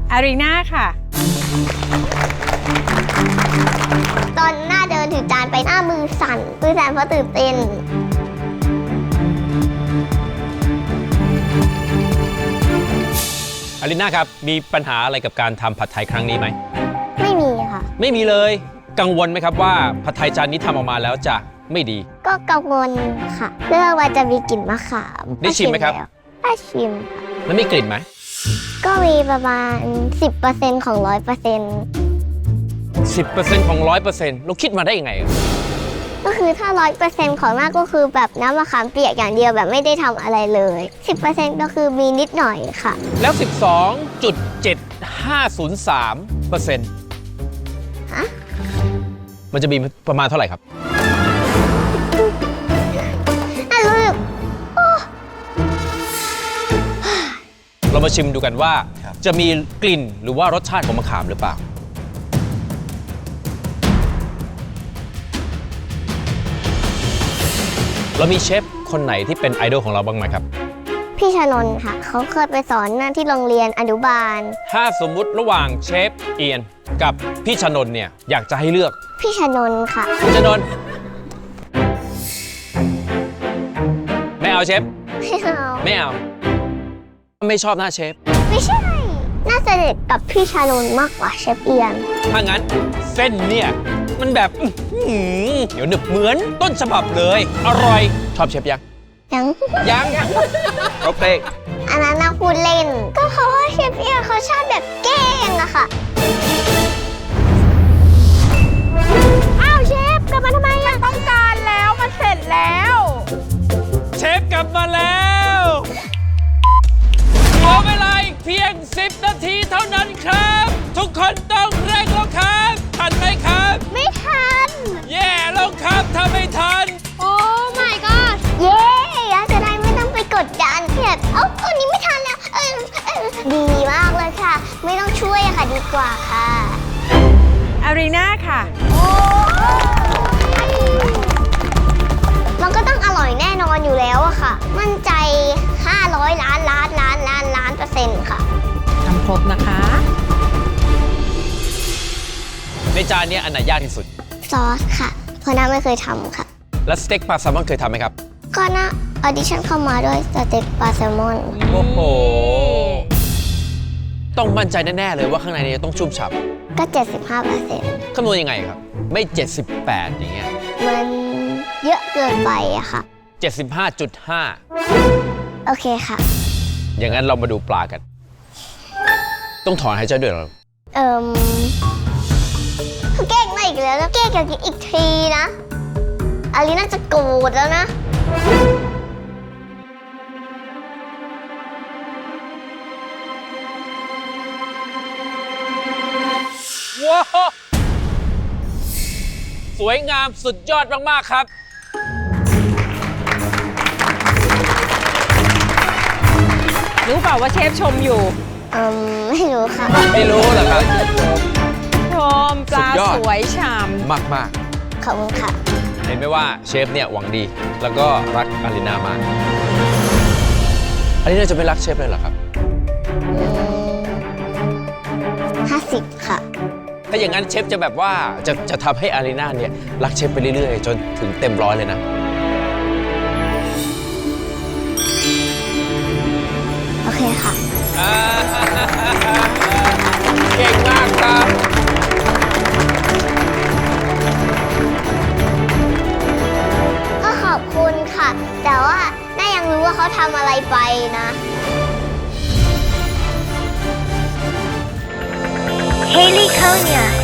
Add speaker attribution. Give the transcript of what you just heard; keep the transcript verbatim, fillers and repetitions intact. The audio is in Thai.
Speaker 1: อารีนาค่ะ
Speaker 2: ตอนหน้าเดินถือจานไปหน้ามือสั่นมือสั่นเพราะตื่นเต้น
Speaker 3: อารีนาครับมีปัญหาอะไรกับการทำผัดไทยครั้งนี้ไหม
Speaker 2: ไม่มีค่ะ
Speaker 3: ไม่มีเลยกังวลไหมครับว่าผัดไทยจานนี้ทำออกมาแล้วจะไม่ดี
Speaker 2: ก็กังวลค่ะเรื่องว่าจะมีกลิ่นมะขาม
Speaker 3: ได้ชิมไหมครับ
Speaker 2: ได้ชิม
Speaker 3: แล้วมีกลิ่นไหม
Speaker 2: ก็มีประมาณ สิบเปอร์เซ็นต์ ของ ร้อยเปอร์เซ็นต์
Speaker 3: สิบเปอร์เซ็นต์ ของ ร้อยเปอร์เซ็นต์ เราคิดมาได้ยังไง
Speaker 2: ก็คือถ้า ร้อยเปอร์เซ็นต์ ของหน้าก็คือแบบน้ำมะขามเปียกอย่างเดียวแบบไม่ได้ทำอะไรเลย สิบเปอร์เซ็นต์ ก็คือมีนิดหน่อยค่ะ
Speaker 3: แล้ว สิบสองจุดเจ็ดห้าศูนย์สามเปอร์เซ็นต์
Speaker 2: ฮะ
Speaker 3: มันจะมีประมาณเท่าไหร่ครับ
Speaker 2: น่ารู้สึก
Speaker 3: เรามาชิมดูกันว่าจะมีกลิ่นหรือว่ารสชาติของมะขามหรือเปล่าเรามีเชฟคนไหนที่เป็นไอดอลของเราบ้างไหมครับ
Speaker 2: พี่ชนนท์ค่ะเขาเคยไปสอนที่โรงเรียนอนุบาล
Speaker 3: ถ้าสมมุติระหว่างเชฟเอียนกับพี่ชนนท์เนี่ยอยากจะให้เลือก
Speaker 2: พี่ชนนท์ค่ะ
Speaker 3: พี่ชนนท์ไม่เอาเชฟ
Speaker 2: ไม่เอา
Speaker 3: ไม่เอาไม่ชอบหน้าเชฟ
Speaker 2: ไม่ใช่น่าจะเด็ดกับพี่ชานนท์มากกว่าเชฟเอียน
Speaker 3: ถ้างั้นเส้นเนี่ยมันแบบเดี๋ยวหนึบเหมือนต้นฉบับเลยอร่อยชอบเชฟยัง
Speaker 2: ยัง
Speaker 3: ยังยังโอเค
Speaker 2: อันนั้นน่าพูดเล่นก็เพราะว่าเชฟเอียนเขาชอบแบบแกล้งอะค่ะอ้าวเชฟกลับมาทำไมอะ
Speaker 1: ต้องการแล้วมันเสร็จแล้ว
Speaker 3: เชฟกลับมาแล้วเหลือเวลาอีกเพียงสิบนาทีเท่านั้นครับทุกคนต้องเร่งแล้วครับทันไหมครับ
Speaker 2: ไม่ทัน
Speaker 3: แย่แล้วครับถ้าไม่ทัน
Speaker 2: โอ้ my god เย้จะได้ไม่ต้องไปกดดันแบบเอ้าคนนี้ไม่ทันแล้วเออเออดีมากเลยค่ะไม่ต้องช่วยค่ะดีกว่าค่ะ
Speaker 1: อารีนาค่ะ
Speaker 2: โอ้มันก็ต้องอร่อยแน่นอนอยู่แล้วอะค่ะมั่นใจห้าร้อยล้านล้านล้านล้านล้านเปอร์เซ็นต์ค่ะ
Speaker 1: ทำครบนะคะ
Speaker 3: ในจานนี้อันไหนยากที่สุด
Speaker 2: ซอสค่ะเพราะน้าไม่เคยทำค่ะ
Speaker 3: แล้วสเต็กปลาแซลมอนเคยทำไหมครับ
Speaker 2: ก็น่าออดิชั่นเข้ามาด้วยสเต็กปลาแซลมอน
Speaker 3: โอ้โหต้องมั่นใจแน่ๆเลยว่าข้างในนี้ต้องชุ่มฉ่ำ
Speaker 2: ก็ เจ็ดสิบห้าเปอร์เซ็นต์
Speaker 3: คำนวณยังไงครับไม่เจ็ดสิบแปดอย่างเงี้ย
Speaker 2: มันเยอะเกินไปอะค่ะ
Speaker 3: เจ็ดสิบห้าจุดห้า
Speaker 2: โอเคค่ะ
Speaker 3: อย่างนั้นเรามาดูปลากันต้องถอนหายใจด้วยเหรอ
Speaker 2: เอิ่มแกล้งมาอีกแล้วนะแกล้งกันอีกทีนะอารีน่าจะโกรธแล้วนะ
Speaker 3: ว้าวสวยงามสุดยอดมากๆครับ
Speaker 1: รู้เปล่าว่าเชฟชมอยู่
Speaker 2: อืมไม่รู้ค่ะ
Speaker 3: ไม่รู้เหรอครับ
Speaker 1: ชมปลาสวยฉ่ำ
Speaker 3: มากมาก
Speaker 2: ขอบคุณค่ะ
Speaker 3: เห็นไหมว่าเชฟเนี่ยหวังดีแล้วก็รักอารีนามากอารีนาจะไม่รักเชฟเลยเหรอครับ
Speaker 2: ห้าสิบค่ะ
Speaker 3: ถ้าอย่างนั้นเชฟจะแบบว่าจะจะทำให้อารีนาเนี่ยรักเชฟไปเรื่อยๆจนถึงเต็มร้อยเลยนะ
Speaker 2: โอเคค่ะ
Speaker 3: เก่งมากครับ
Speaker 2: ก็ขอบคุณค่ะแต่ว่าน่ายังรู้ว่าเขาทำอะไรไปนะ Haley Konya